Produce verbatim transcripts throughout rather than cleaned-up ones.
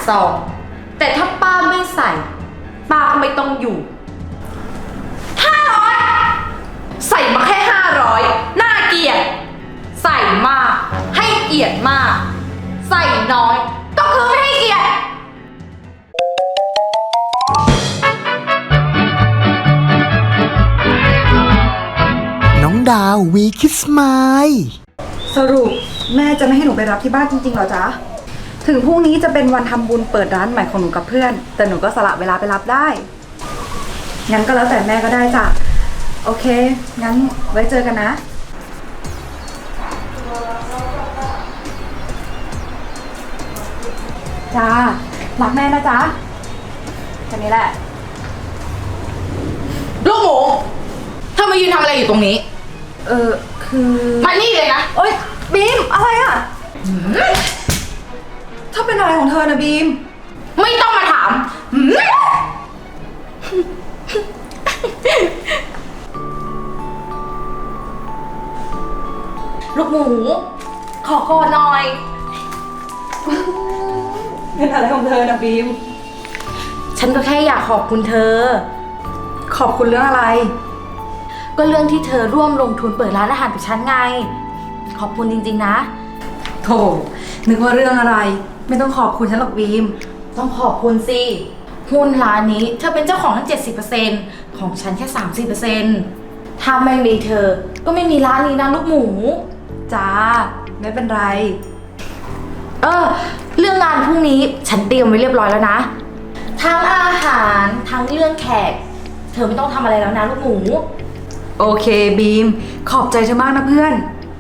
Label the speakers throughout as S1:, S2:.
S1: ซองแต่ถ้าป้าไม่ใส่ป้าก็ไม่ต้องอยู่ห้าร้อยใส่มาแค่ห้าร้อยน่าเกลียดใส่มากให้เกียรติมากใส่น้อยก็คือไม่ให้เกียรติ
S2: น้องดาววีคิสไมล์
S3: สรุปแม่จะไม่ให้หนูไปรับที่บ้านจริงๆเหรอจ๊ะถึงพรุ่งนี้จะเป็นวันทำบุญเปิดร้านใหม่ของหนูกับเพื่อนแต่หนูก็สละเวลาไปรับได้งั้นก็แล้วแต่แม่ก็ได้จ้ะโอเคงั้นไว้เจอกันนะจ้ารักแม่นะจ๊ะแค่นี้แหละ
S1: ลูกหมูเธอมายืนทำอะไรอยู่ตรงนี้
S3: เออคือ
S1: มานี่เลยนะ
S3: โอ๊ยบีมอะไรอ่ะถ้าเป็นอะไรของเธอนะบีม
S1: ไม่ต้องมาถามลูกหมูขอกอดหน่อย
S3: เป็นอะไรของเธอนะบีม
S1: ฉันก็แค่อยากขอบคุณเธอ
S3: ขอบคุณเรื่องอะไร
S1: ก็เรื่องที่เธอร่วมลงทุนเปิดร้านอาหารกับฉันไงขอบคุณจริงๆนะ
S3: โธ่นึกว่าเรื่องอะไรไม่ต้องขอบคุณฉันหรอกบีม
S1: ต้องขอบคุณสิหุ้นร้านนี้เธอเป็นเจ้าของทั้ง เจ็ดสิบเปอร์เซ็นต์ ของฉันแค่ สามสิบเปอร์เซ็นต์ ถ้าไม่มีเธอก็ไม่มีร้านนี้นะลูกหมู
S3: จ้าไม่เป็นไร
S1: เออเรื่องงานพรุ่งนี้ฉันเตรียมไว้เรียบร้อยแล้วนะทั้งอาหารทั้งเรื่องแขกเธอไม่ต้องทำอะไรแล้วนะลูกหมู
S3: โอเคบีมขอบใจเธอมากนะเพื่อน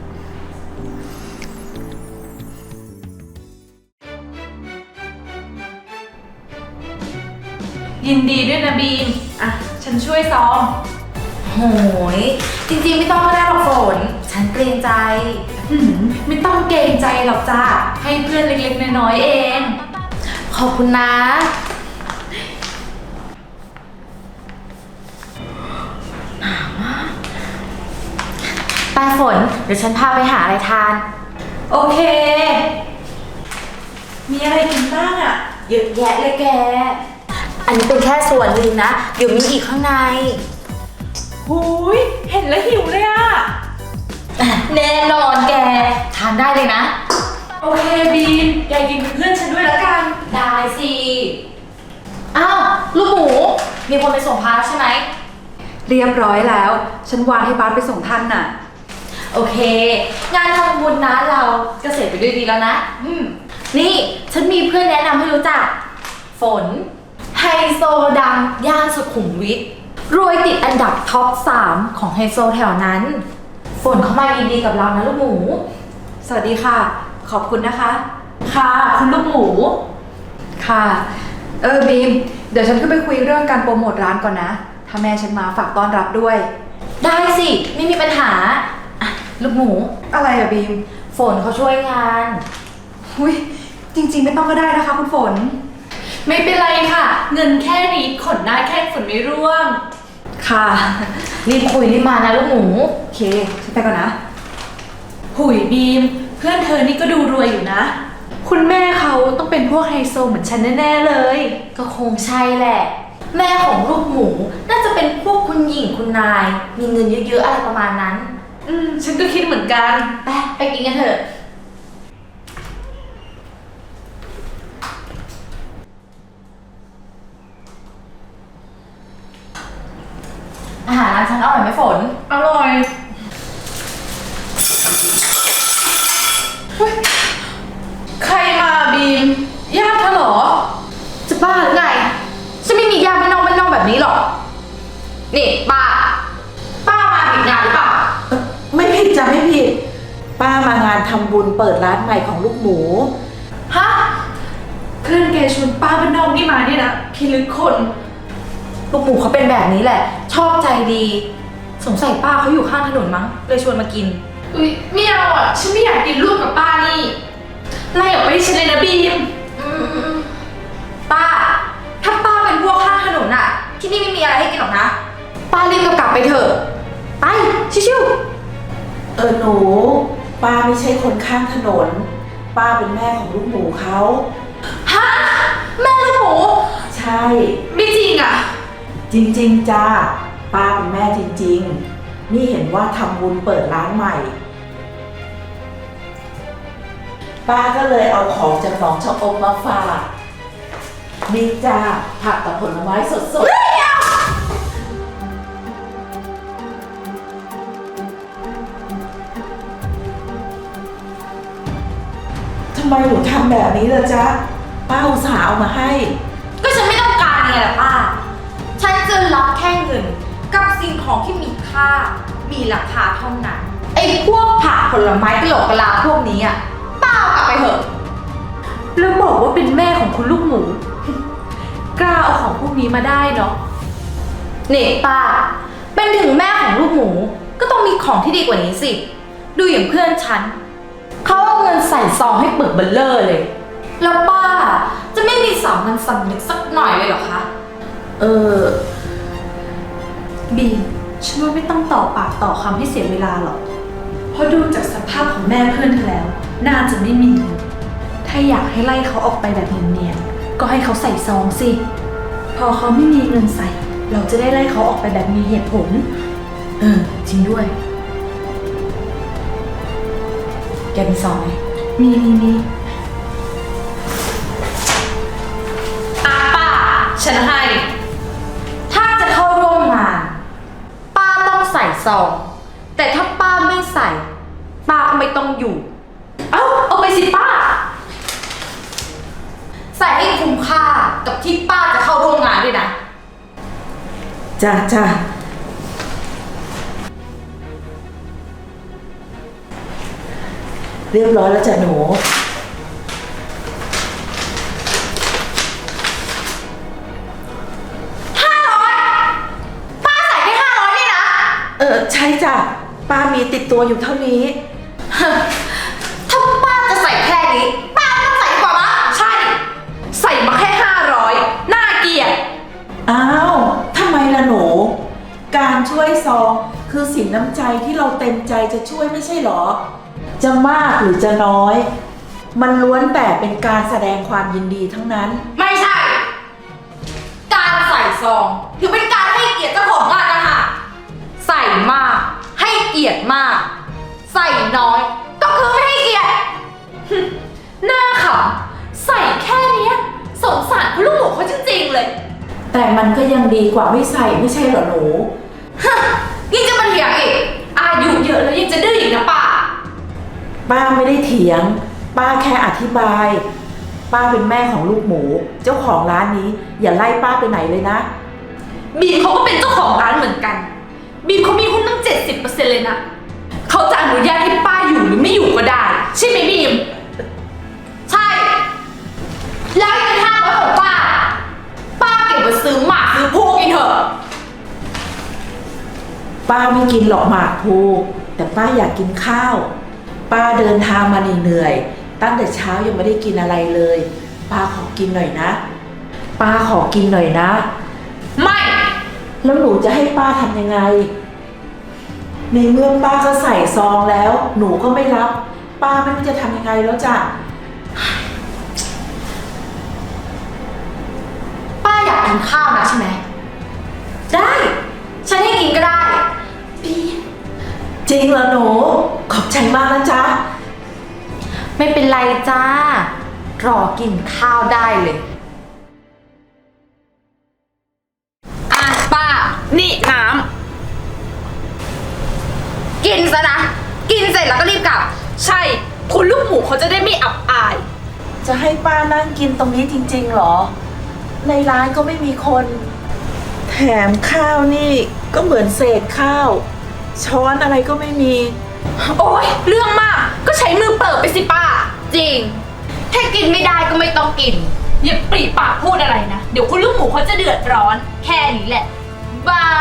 S1: ยินดีด้วยนะบีมอ่ะฉันช่วยซ้อมโหยจริงๆไม่ต้องก็ได้หรอกฝนฉันเกรงใจไม่ต้องเกรงใจหรอกจ้าให้เพื่อนเล็กๆน้อยๆเองขอบคุณนะไปฝนเดี๋ยวฉันพาไปหาอะไรทานโอเคมีอะไรกินบ้างอ่ะเยอะแยะเลยแกอันนี้เป็นแค่ส่วนหนึ่งนะเดี๋ยวมีอีกข้างในหูยเห็นแล้วหิวเลยอ่ะแน่นอนแกทานได้เลยนะโอเคบีมแกกินเป็นเพื่อนฉันด้วยแล้วกันได้สิอ้าวลูกหมูมีคนไปส่งพาใช่ไหม
S3: เรียบร้อยแล้วฉันวานให้บาสไปส่งท่านน่ะ
S1: โอเคงานทำบุญนะเราก็เสร็จไปด้วยดีแล้วนะอืมนี่ฉันมีเพื่อนแนะนำให้รู้จักฝนไฮโซดังย่านสุขุมวิทรวยติดอันดับท็อปสามของไฮโซแถวนั้นฝนเขามายินดีกับเรานะลูกหมู
S3: สวัสดีค่ะขอบคุณนะคะ
S1: ค่ะคุณลูกหมู
S3: ค่ะเออบีมเดี๋ยวฉันก็ไปคุยเรื่องการโปรโมทร้านก่อนนะถ้าแม่ฉันมาฝากต้อนรับด้วย
S1: ได้สิไม่มีปัญหาอ่ะลูกหมู
S3: อะไรอะบีม
S1: ฝนเขาช่วยงาน
S3: อุ้ยจริงๆไม่ต้องก็ได้นะคะคุณฝน
S1: ไม่เป็นไรค่ะเงินแค่นี้ขนได้แค่ฝนไม่ร่วง
S3: ค่ะ
S1: รีบคุยรีบมานะลูกหมู
S3: โอเคฉันไปก่อนนะ
S1: หุยบีมเพื่อนเธอนี่ก็ดูรวยอยู่นะคุณแม่เขาต้องเป็นพวกไฮโซเหมือนฉันแน่ๆเลยก็คงใช่แหละแม่ของลูกหมูน่าจะเป็นพวกคุณหญิงคุณนายมีเงินเยอะๆอะไรประมาณนั้นอืมฉันก็คิดเหมือนกันไปไปกินกันเถอะอาหารร้านฉันอร่อยไหมฝนอร่อยใครมาบีมญาติเธอเหรอจะบ้าหรือไงฉันไม่มีญาติไม่นอกไม่นอกแบบนี้หรอกนี่ป้าป้ามาผิดงานหรือเปล่า
S4: ไม่ผิดจ้ะไม่ผิดป้ามางานทำบุญเปิดร้านใหม่ของลูกหมู
S1: ฮะเพื่อนแกชวนป้าบ้านนอกนี่มาเนี่ยนะพี่ลึกคนลูกหมูเขาเป็นแบบนี้แหละชอบใจดีสงสัยป้าเขาอยู่ข้างถนนมั้งเลยชวนมากินอุ้ยไม่เอาอ่ะฉันไม่อยากกินร่วมกับป้านี่ไล่ออกไปฉันเลยนะบีมป้าถ้าป้าเป็นพวกข้างถนนอ่ะที่นี่ไม่มีอะไรให้กินหรอกนะป้ารีบกลับไปเถอะไปชิวๆ
S4: เออหนูป้าไม่ใช่คนข้างถนนป้าเป็นแม่ของลูกหมูเขา
S1: ฮะแม่ลูกหมู
S4: ใช่
S1: ไม่จริงอ่ะ
S4: จริงๆจ้าป้าเป็นแม่จริงๆ นี่เห็นว่าทำบุญเปิดร้านใหม่ ป้าก็เลยเอาของจากหนองชะอมมาฝากนี่จ้าผักกับผลไม้สดๆทำไมหนูทำแบบนี้ล่ะจ๊ะป้าอุตส่าห์เอามาให้
S1: ก็ฉันไม่ต้องการไงล่ะป้า ฉันจะรับแค่เงินกับสิ่งของที่มีค่า มีราคาเท่านั้น ไอ้พวกผักผลไม้กระโหลกกะลาพวกนี้อ่ะป้าเอากลับไปเถอะ แล้วบอกว่าเป็นแม่ของคุณลูกหมู กล้าเอาของพวกนี้มาได้เนาะนี่ป้า เป็นถึงแม่ของลูกหมู ก็ต้องมีของที่ดีกว่านี้สิ ดูอย่างเพื่อนฉัน เขาเอาเงินใส่ซองให้ปึกเบลเลอร์เลย แล้วป้าจะไม่มีสามัญสำนึกสักหน่อยเลยเหรอคะ
S4: เออ
S5: บีมฉันว่าไม่ต้องต่อปากต่อคำให้เสียเวลาหรอก เพราะดูจากสภาพของแม่เพื่อนเธอแล้ว น่าจะไม่มีเงินถ้าอยากให้ไล่เขาออกไปแบบเนียนๆก็ให้เขาใส่ซองสิ พอเขาไม่มีเงินใส่ เราจะได้ไล่เขาออกไปแบบมีเหตุผล
S1: เออ จริงด้วย แกมีซองไหม
S5: มีมีมี
S1: อ่ะป้า ฉันให้ ถ้าจะเข้าร่วมงาน ป้าต้องใส่ซอง แต่ถ้าป้าไม่ใส่ ป้าก็ไม่ต้องอยู่ เอ้า เอาไปสิป้า ใส่ให้คุ้มค่ากับที่ป้าจะเข้าร่วมงานด้วยนะ
S4: จ้าจ้าเรียบร้อยแล้วจ้ะหนู
S1: ห้าร้อย ป้าใส่แค่ห้าร้อยนี่นะ
S4: เออใช่จ้ะป้ามีติดตัวอยู่เท่านี้
S1: ถ้าป้าจะใส่แค่นี้ ป้าไม่ต้องใส่ดีกว่ามั้งใช่ ใส่มาแค่ห้าร้อยน่าเกลียด
S4: อ้าวทำไมล่ะหนู การช่วยซองคือสินน้ำใจที่เราเต็มใจจะช่วยไม่ใช่หรอ จะมากหรือจะน้อย มันล้วนแต่เป็นการแสดงความยินดีทั้งนั้น
S1: ไม่ใช่ การใส่ซองถือเป็นการให้เกียรติเจ้าของงานนะคะใส่มาก ให้เกียรติมาก ใส่น้อย ก็คือไม่ให้เกียรติ หน้าขำใส่แค่เนี้ยสงสารคุณลูกหมูเขาจริงๆเลย
S4: แต่มันก็ยังดีกว่าไม่ใส่ไม่ใช่เหรอหนู
S1: ฮะยิ่งจะมาเถียงอีก อายุเยอะแล้วยังจะดื้ออีกนะป้า
S4: ป้าไม่ได้เถียง ป้าแค่อธิบาย ป้าเป็นแม่ของลูกหมู เจ้าของร้านนี้ อย่าไล่ป้าไปไหนเลยนะ
S1: บีมเขาก็เป็นเจ้าของร้านเหมือนกัน บีมเขามีหุ้นตั้งเจ็ดสิบเปอร์เซ็นต์เลยนะ เขาจะอนุญาตให้ป้าอยู่หรือไม่อยู่ก็ได้ ใช่ไหมบีม ใช่ แล้วเงินห้าร้อยของป้า ป้าเก็บไว้ซื้อหมากซื้อพวกกินเถอะ
S4: ป้าไม่กินหรอกหมากพลูแต่ป้าอยากกินข้าว ป้าเดินทางมาเหนื่อยๆตั้งแต่เช้ายังไม่ได้กินอะไรเลย ป้าขอกินหน่อยนะ ป้าขอกินหน่อยนะ
S1: ไม่
S4: แล้วหนูจะให้ป้าทำยังไง ในเมื่อป้าก็ใส่ซองแล้ว หนูก็ไม่รับ ป้าไม่รู้จะทำยังไงแล้วจ้ะ
S1: ป้าอยากกินข้าวนะใช่ไหม ได้ ฉันให้กินก็ได้ บีม
S4: จริงเหรอหนู ขอบใจมากนะจ๊ะ
S1: ไม่เป็นไรจ้า รอกินข้าวได้เลย อ่ะป้า นี่น้ำ กินซะนะ กินเสร็จแล้วก็รีบกลับ ใช่ คุณลูกหมูเขาจะได้ไม่อับอาย
S4: จะให้ป้านั่งกินตรงนี้จริงๆเหรอ ในร้านก็ไม่มีคน แถมข้าวนี่ก็เหมือนเศษข้าว ช้อนอะไรก็ไม่มี
S1: โอ๊ย เรื่องมาก ก็ใช้มือเปิดไปสิป้า จริง ถ้ากินไม่ได้ก็ไม่ต้องกิน อย่าปรีปากพูดอะไรนะ เดี๋ยวคุณลูกหมูเขาจะเดือดร้อน แค่นี้แหละ บาย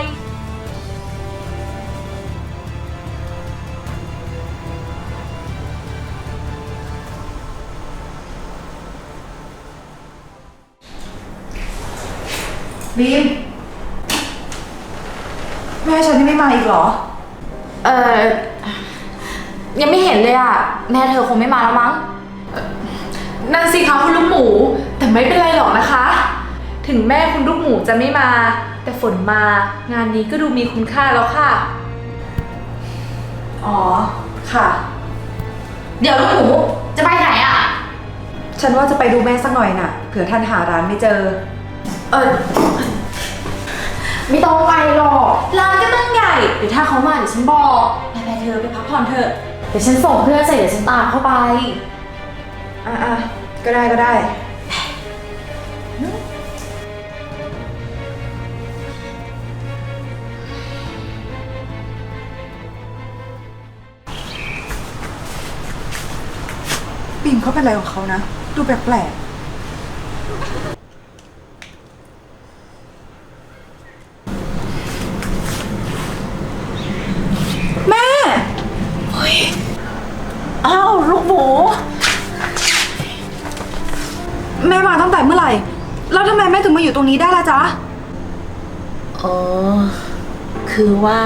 S3: บีม แม่ฉันยังไม่มาอีกเหรอ
S1: เออยังไม่เห็นเลยอ่ะ แม่เธอคงไม่มาแล้วมั้ง
S3: ง
S5: นั่นสิคะคุณลูกหมู แต่ไม่เป็นไรหรอกนะคะ ถึงแม่คุณลูกหมูจะไม่มา แต่ฝนมางานนี้ก็ดูมีคุณค่าแล้วค่ะ
S3: อ๋อ ค่ะ
S1: เดี๋ยวลูกหมูจะไปไหนอ่ะ
S3: ฉันว่าจะไปดูแม่สักหน่อยน่ะ เผื่อท่านหาร้านไม่เจอ
S1: เออไม่ต้องไปหรอกร้านก็ตั้งใหญ่เดี๋ยวถ้าเขามาเดี๋ยวฉันบอกไปไปเธอไปพักผ่อนเถอะเดี๋ยวฉันส่งเพื่อนเสร็จเดี๋ยวฉันตามเข้าไป
S3: อ่ะอ่ะก็ได้ก็ได้ ปิ่มเขาเป็นอะไรของเขานะ ดูแปลกๆ แม่
S4: อ้าวลูกหมู
S3: แม่มาตั้งแต่เมื่อไหร่ แล้วทำไมแม่ถึงมาอยู่ตรงนี้ได้ล่ะจ๊ะ
S4: อ๋อ คือว่า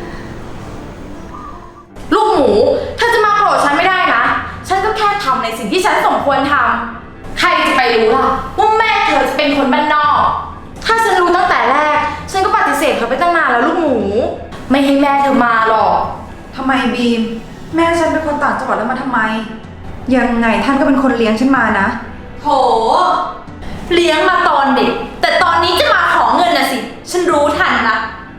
S1: ลูกหมูเธอจะมาโกรธฉันไม่ได้นะ ฉันก็แค่ทำในสิ่งที่ฉันสมควรทำใครจะไปรู้ล่ะว่าแม่เธอจะเป็นคนบ้านนอก ถ้าฉันรู้ตั้งแต่แรก ฉันก็ปฏิเสธเธอไปตั้งนานแล้วลูกหมู ไม่ให้แม่เธอมาหรอก
S3: ทำไมบีม แม่ฉันเป็นคนต่างจังหวัดแล้วมาทำไม ยังไงท่านก็เป็นคนเลี้ยงฉันมานะ
S1: โห เลี้ยงมาตอนเด็ก แต่ตอนนี้จะมาขอเงินนะสิ ฉันรู้ทันนะ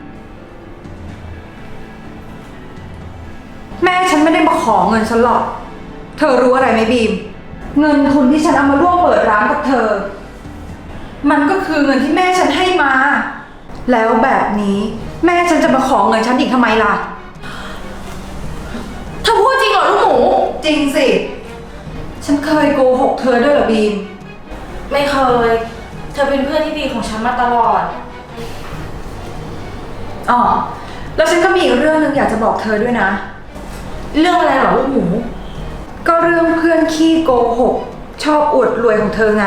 S3: แม่ฉันไม่ได้มาขอเงินฉันหรอก เธอรู้อะไรไหมบีม เงินทุนที่ฉันเอามาร่วมเปิดร้านกับเธอ มันก็คือเงินที่แม่ฉันให้มา แล้วแบบนี้แม่ฉันจะมาขอเงินฉันอีกทำไมล่ะ
S1: เธอพูดจริงเหรอลูกหมู
S3: จริงสิ ฉันเคยโกหกเธอด้วยเหรอบีม
S1: ไม่เคย เธอเป็นเพื่อนที่ดีของฉันมาตลอด
S3: อ๋อ แล้วฉันก็มีอีกเรื่องหนึงอยากจะบอกเธอด้วยนะ
S1: เรื่องอะไรเหรอลูกหมู
S3: ก็เรื่องเพื่อนขี้โกหก ชอบอวดรวยของเธอไง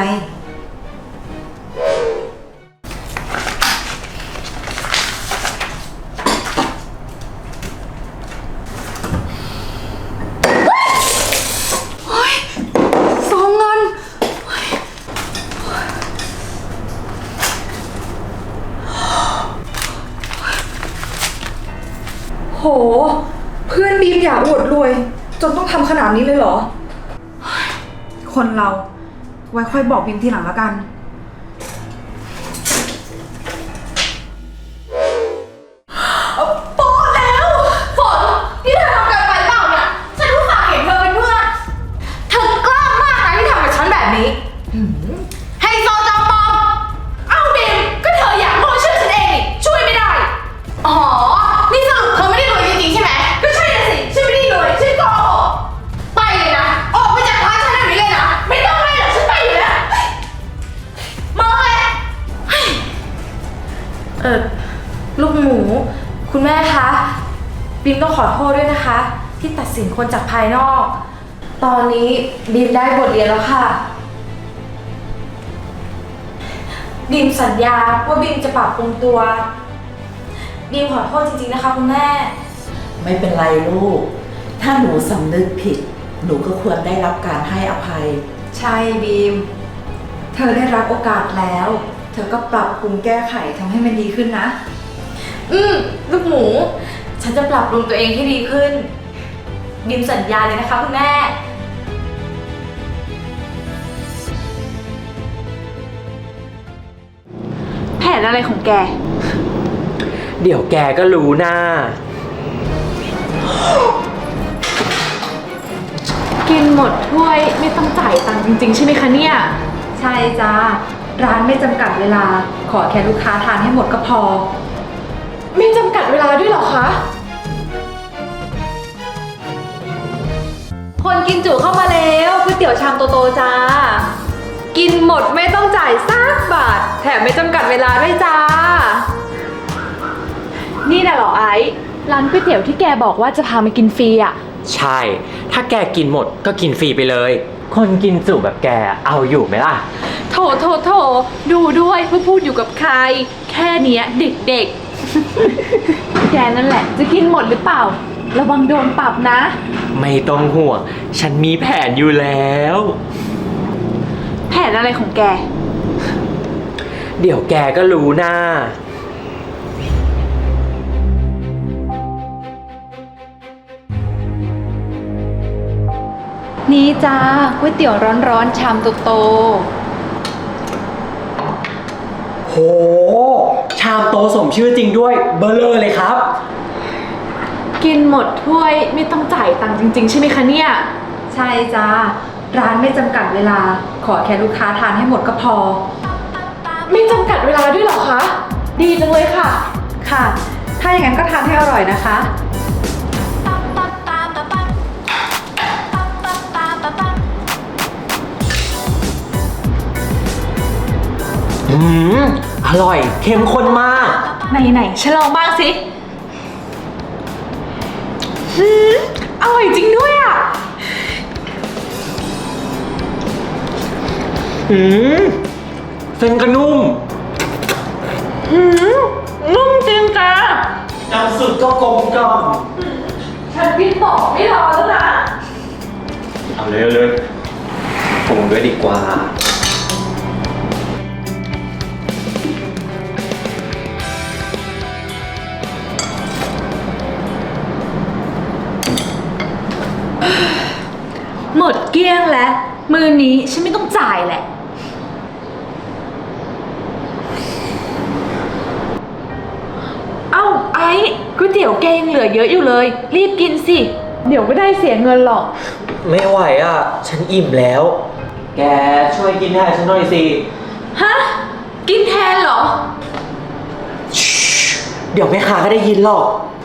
S3: เฮ้ยซองเงิน โห เพื่อนบีมอยากอวดรวย จนต้องทำขนาดนี้เลยเหรอ คนเรา ไว้ค่อยบอกบีมทีหลังแล้วกัน
S1: โป๊ะแล้วฝนนี่เธอทำเกินไปเปล่าเนี่ยฉันรู้สึกเห็นเธอเป็นเพื่อนเธอกล้ามากนะที่ทำกับฉันแบบนี้หืมไฮโซจอมปลอมเอ้าบีมก็เธออยากโง่เชื่อฉันเองนี่ช่วยไม่ได้อ๋อนี่สรุปเธอไม่ได้รวยจริงๆใช่ไหมก็ใช่น่ะสิฉันไม่ได้รวยฉันโกหกไปเลยนะออกไปจากร้านฉันแบบนี้เลยนะไม่ต้องให้หรอกฉันไปอยู่แล้วมาเลยเออลูกหมู คุณแม่คะบีมต้องขอโทษด้วยนะคะ ที่ตัดสินคนจากภายนอก ตอนนี้บีมได้บทเรียนแล้วค่ะบีมสัญญาว่าบีมจะปรับปรุงตัวบีมขอโทษจริงๆนะคะคุณแม่
S4: ไม่เป็นไรลูก ถ้าหนูสำนึกผิด หนูก็ควรได้รับการให้อภัย
S3: ใช่บีม เธอได้รับโอกาสแล้ว เธอก็ปรับปรุงแก้ไขทำให้มันดีขึ้นนะ
S1: อืมลูกหมู ฉันจะปรับปรุงตัวเองให้ดีขึ้นบีมสัญญาเลยนะคะคุณแม่
S5: แผนอะไรของแก
S6: เดี๋ยวแกก็รู้หน้า
S5: กินหมดถ้วยไม่ต้องจ่ายตังค์จริงๆใช่ไหมคะเนี่ย
S3: ใช่จ้า ร้านไม่จำกัดเวลา ขอแค่ลูกค้าทานให้หมดก็พอ
S5: ไม่จำกัดเวลาด้วยเหรอคะ คนกินจุเข้ามาแล้วก๋วยเตี๋ยวชามโตๆจ้า กินหมดไม่ต้องจ่ายสักบาท แถมไม่จำกัดเวลาด้วยจ้า นี่น่ะเหรอไอซ์ร้านก๋วยเตี๋ยวที่แกบอกว่าจะพามากินฟรีอ่ะ
S6: ใช่ ถ้าแกกินหมดก็กินฟรีไปเลย คนกินจุแบบแกเอาอยู่ไหมล่ะ
S5: โถโถโถดูด้วยว่าพูดอยู่กับใคร แค่เนี้ยเด็กๆ แกนั่นแหละจะกินหมดหรือเปล่า ระวังโดนปรับนะ
S6: ไม่ต้องห่วง ฉันมีแผนอยู่แล้ว
S5: นอะไรของแก
S6: เดี๋ยวแกก็รู้หน้า
S3: นี่จ้าก๋วยเตี๋ยวร้อนๆชามโต
S6: โห ชามโตสมชื่อจริงด้วยเบอร์เลอร์เลยครับ
S5: กินหมดถ้วยไม่ต้องจ่ายตังค์จริงๆใช่ไหมคะเนี่ย
S3: ๆ ใช่จ้าร้านไม่จำกัดเวลา ขอแค่ลูกค้าทานให้หมดก็พอ
S5: ไม่จำกัดเวลาด้วยเหรอคะ ดีจังเลยค่ะ
S3: ค่ะ ถ้าอย่างนั้นก็ทานให้อร่อยนะคะ
S6: อืม อร่อย เข้มข้นมาก
S5: ไหนๆฉันลองบ้างสิหืมอร่อยจริงด้วยอ่ะ
S6: อืม เส้นก็นุ่ม
S5: หืมนุ่มจริงจ้ะ
S6: น้ำสุดก็กลมกล่อม
S5: ฉันกินต่อไม่รอแล้วนะ
S6: เอาเลยเอาเลยปรุงด้วยดีกว่า
S5: หมดเกลี้ยงแล้ว มือนี้ฉันไม่ต้องจ่ายแหละ เอ้าไอ้ก๋วยเตี๋ยวแกยังเหลือเยอะอยู่เลย รีบกินสิ เดี๋ยวไม่ได้เสียเงินหรอก
S6: ไม่ไหวอ่ะ ฉันอิ่มแล้ว แกช่วยกินให้ฉันหน่อยสิ
S5: ฮะ กินแทนเหรอ
S6: เดี๋ยวแม่ค้าก็ได้ยินหรอก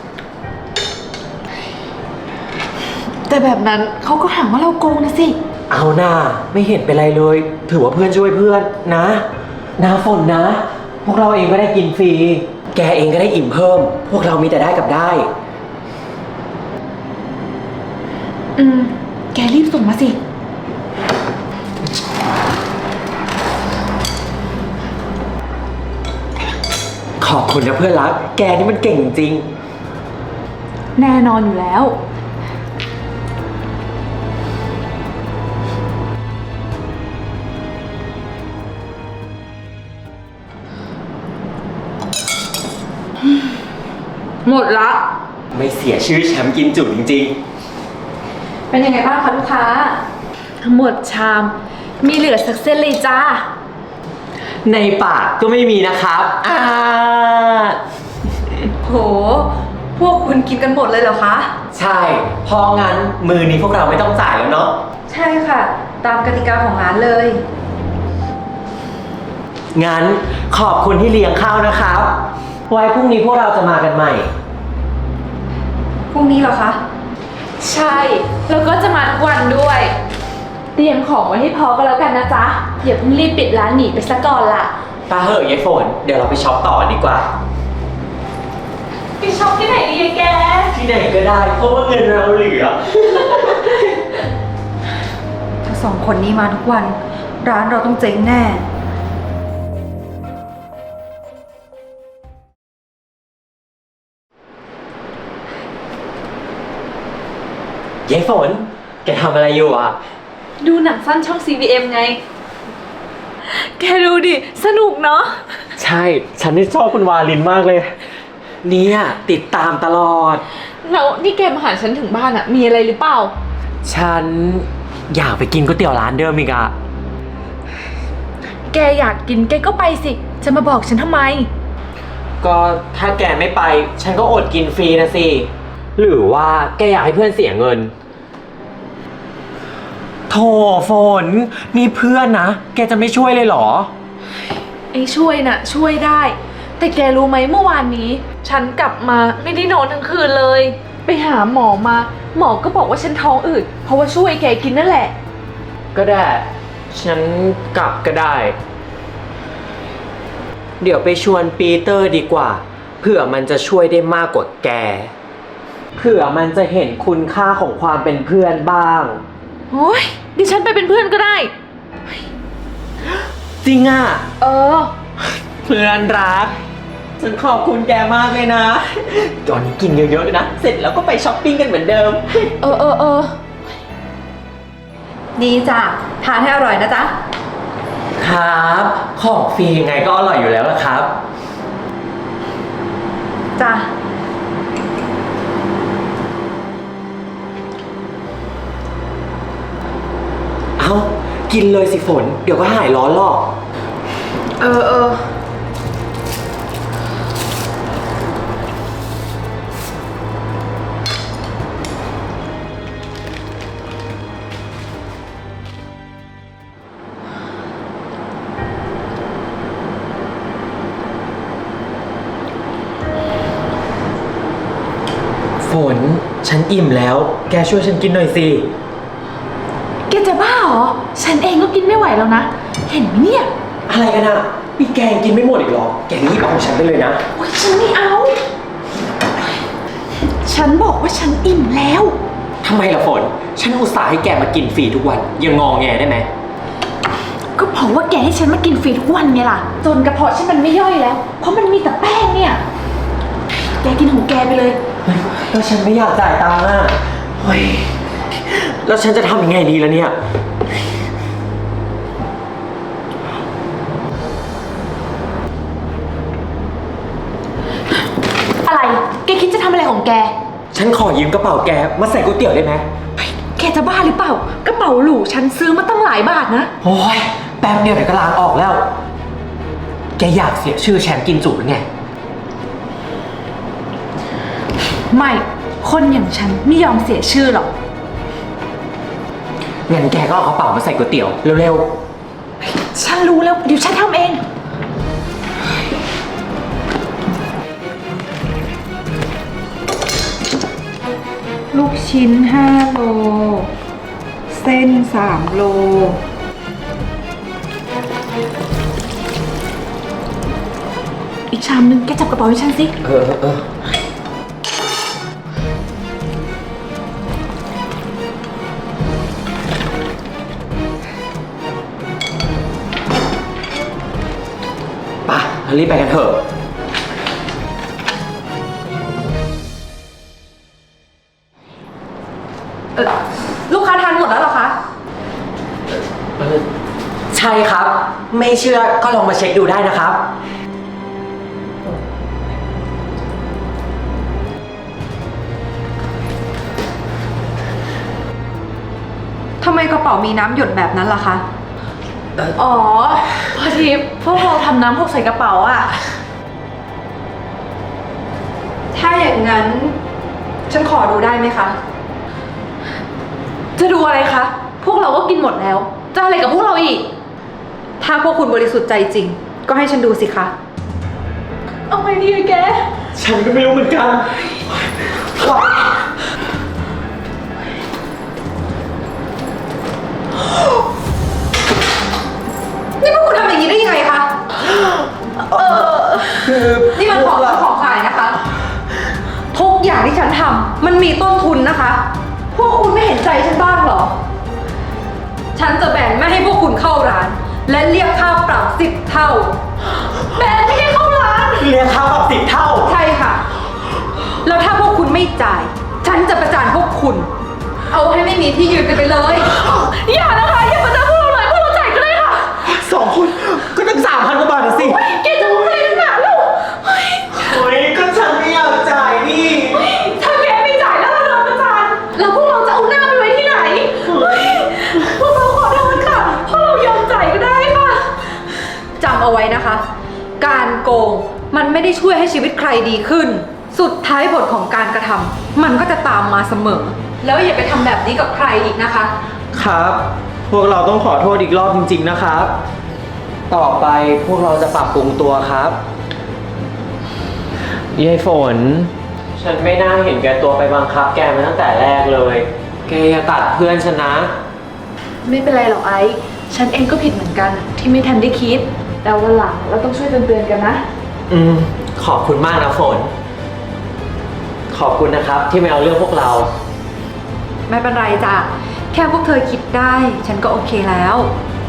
S5: แต่แบบนั้นเขาก็หาว่าเราโกงนะสิ
S6: เอาหน้าไม่เห็นเป็นไรเลย ถือว่าเพื่อนช่วยเพื่อนนะนาฝนนะ พวกเราเองก็ได้กินฟรี แกเองก็ได้อิ่มเพิ่ม พวกเรามีแต่ได้กับได้
S5: อืม แกรีบส่งมาสิ
S6: ขอบคุณนะเพื่อนรัก แกนี่มันเก่งจริง
S5: แน่นอนอยู่แล้ว หมดละ
S6: ไม่เสียชื่อแชมป์กินจุจริง
S3: เป็นยังไงบ้างคะลูกค้า
S5: หมดชาม มีเหลือสักเส้นเลยจ้า
S6: ๆ ในปากก็ไม่มีนะครับอ่า
S3: โห พวกคุณกินกันหมดเลยเหรอคะ
S6: ใช่เพองั้นมือนี้พวกเราไม่ต้องจ่ายแล้วเนาะ
S3: ใช่ค่ะ ตามกติกาของร้านเลย
S6: งั้นขอบคุณที่เลี้ยงข้าวนะครับ ไว้พรุ่งนี้พวกเราจะมากันใหม่
S3: พรุ่งนี้เหรอคะ
S5: ใช่ แล้วก็จะมาทุกวันด้วย เตรียมของไว้ให้พอก็แล้วกันนะจ๊ะ อย่าเพิ่งรีบปิดร้านหนีไปซะก่อนล่ะ
S6: ตาเหอะยายฝน เดี๋ยวเราไปช็อปต่อดีกว่า
S5: ไปช็อปที่ไหนดีอะแก
S6: ที่ไหนก็ได้ เพราะว่าเงินเราเหลือ
S3: ถ้าสองคนนี้มาทุกวัน ร้านเราต้องเจ๊งแน่
S6: ยายฝน แกทำอะไรอยู่อ่ะ
S5: ดูหนังสั้นช่อง ซี วี เอ็ม ไง แกดูดิ สนุกเนาะ
S6: ใช่ ฉันนี่ชอบคุณวาลินมากเลย เนี่ยติดตามตลอด
S5: แล้วนี่แกมาหาฉันถึงบ้านอะมีอะไรหรือเปล่า
S6: ฉันอยากไปกินก๋วยเตี๋ยวร้านเดิมอีกอะ
S5: แกอยากกินแกก็ไปสิ จะมาบอกฉันทำไม
S6: ก็ถ้าแกไม่ไป ฉันก็อดกินฟรีนะสิ หรือว่าแกอยากให้เพื่อนเสียเงินโธ่ฝนนี่เพื่อนนะ แกจะไม่ช่วยเลยเหรอ
S5: ไอ้ช่วยน่ะ ช่วยได้ แต่แกรู้ไหมเมื่อวานนี้ ฉันกลับมาไม่ได้นอนทั้งคืนเลย ไปหาหมอมา หมอก็บอกว่าฉันท้องอืดเพราะว่าช่วยแกกินนั่นแหละ
S6: ก็ได้ ฉันกลับก็ได้ เดี๋ยวไปชวนปีเตอร์ดีกว่า เผื่อมันจะช่วยได้มากกว่าแก เผื่อมันจะเห็นคุณค่าของความเป็นเพื่อนบ้าง
S5: โอ้ยดิฉันไปเป็นเพื่อนก็ได้
S6: จริงอ่ะ
S5: เออ
S6: เพื่อนรัก ฉันขอบคุณแกมากเลยนะ ตอนนี้กินเยอะๆนะ เสร็จแล้วก็ไปช้อปปิ้งกันเหมือนเดิม
S5: เออเออเออ
S3: ดีจ้ะ ทานให้อร่อยนะจ๊ะ
S6: ครับ ของฟรียังไงก็อร่อยอยู่แล้วล่ะครับ
S3: จ้ะ
S6: เอากินเลยสิฝน เดี๋ยวก็หายร้อนหรอก
S3: เออเออ
S6: ฝน ฉันอิ่มแล้ว แกช่วยฉันกินหน่อยสิ
S5: แกจะบ้าเหรอ ฉันเองก็กินไม่ไหวแล้วนะ เห็นไหมเนี่ย
S6: อะไรกันอะพี่แกงกินไม่หมดอีกหรอ แกรีบเอาของฉันไปเลยนะ
S5: โอ๊ยฉันไม่เอา ฉันบอกว่าฉันอิ่มแล้ว
S6: ทำไมล่ะฝน ฉันอุตส่าห์ให้แกมากินฟรีทุกวัน ยังงอแงได้ไหม
S5: ก็เพราะว่าแกให้ฉันมากินฟรีทุกวันไงล่ะ จนกระเพาะฉันมันไม่ย่อยแล้ว เพราะมันมีแต่แป้งเนี่ย แกกินของแกไปเลย
S6: แล้วฉันไม่อยากจ่ายตังค์อ่ะเฮ้ยแล้วฉันจะทำยังไงดีล่ะเนี่ย
S5: อะไร แกคิดจะทำอะไรของแก
S6: ฉันขอยืมกระเป๋าแกมาใส่ก๋วยเตี๋ยวได้ไหม
S5: แกจะบ้าหรือเปล่า กระเป๋าหรูฉันซื้อมาตั้งหลายบาทนะ
S6: โอ้ยแป๊บเดียวเดี๋ยวก็ล้างออกแล้ว แกอยากเสียชื่อแชมป์กินจุหรือไง
S5: ไม่ คนอย่างฉันไม่ยอมเสียชื่อหรอก
S6: งั้นแกก็เอากระเป๋ามาใส่ก๋วยเตี๋ยวเร็ว
S5: ฉันรู้แล้ว เดี๋ยวฉันทำเอง
S3: ลูกชิ้นห้าโล เส้นสามโล
S5: อีกชามนึงแกจับกระเป๋าให้ฉันสิ
S6: ๆ เออเออป่ะเรารีบไปกันเถอะ
S3: เออลูกค้าทานหมดแล้วเหรอคะ
S6: ใช่ครับ ไม่เชื่อก็ลองมาเช็คดูได้นะครับ
S3: ทำไมกระเป๋ามีน้ำหยดแบบนั้นล่ะคะ
S5: อ๋อ พอดีพวกเราทำน้ำหกใส่กระเป๋าอะ
S3: ถ้าอย่างนั้น ฉันขอดูได้ไหมคะ
S5: จะดูอะไรคะ พวกเราก็กินหมดแล้ว จะอะไรกับพวกเราอีก
S3: ถ้าพวกคุณบริสุทธิ์ใจจริง ก็ให้ฉันดูสิคะ
S5: เอาไงดีอะแก
S6: ฉันก็ไม่รู้เหมือนกัน
S3: นี่พวกคุณทำอย่างนี้ได้ยังไงคะ
S6: เออคือ
S3: นี่มันของเราของขายนะคะ ทุกอย่างที่ฉันทำมันมีต้นทุนนะคะ พวกคุณไม่เห็นใจฉันบ้างเหรอ ฉันจะแบ่งไม่ให้พวกคุณเข้าร้าน และเรียกค่าปรับสิบเท่า
S5: แบนไม่ให้เข้าร้าน
S6: เรียกค่าปรับสิบเท่า
S3: ใช่ค่ะ แล้วถ้าพวกคุณไม่จ่าย ฉันจะประจานพวกคุณ เอาให้ไม่มีที่ยืนกันไปเลย
S5: อย่านะคะ อย่ามาจ้าพวกเราเลยพวกเราจ่ายก็ได้ค่ะ
S6: สองคนก็ตั้งสามพันกว่าบาทนะสิ
S5: แกจะพูดอะไรนักหนาลูก
S6: โอ้ยก็ฉันไม่อยากจ่ายนี่
S5: ถ้าแกไม่จ่ายแล้วเราโดนประจานแล้วพวกเราจะเอาหน้าไปไว้ที่ไหนเฮ้ยพวกเราขอโทษค่ะพวกเรายอมจ่ายก็ได้ค่ะ
S3: จำเอาไว้นะคะ การโกงมันไม่ได้ช่วยให้ชีวิตใครดีขึ้น สุดท้ายผลของการกระทำมันก็จะตามมาเสมอ แล้วอย่าไปทำแบบนี้กับใครอีกนะคะ
S6: ครับ พวกเราต้องขอโทษอีกรอบจริงๆนะครับ ต่อไปพวกเราจะปรับปรุงตัวครับยายฝน ฉันไม่น่าเห็นแกตัวไปบังคับแกมาตั้งแต่แรกเลย แกอย่าตัดเพื่อนฉันนะ
S5: ไม่เป็นไรหรอกไอซ์ฉันเองก็ผิดเหมือนกันที่ไม่ทันได้คิด แต่วันหลังเราต้องช่วยเตือนๆกันนะ
S6: อืม ขอบคุณมากนะฝน ขอบคุณนะครับที่ไม่เอาเรื่องพวกเรา
S3: ไม่เป็นไรจ้ะ แค่พวกเธอคิดได้ ฉันก็โอเคแล้ว
S6: ค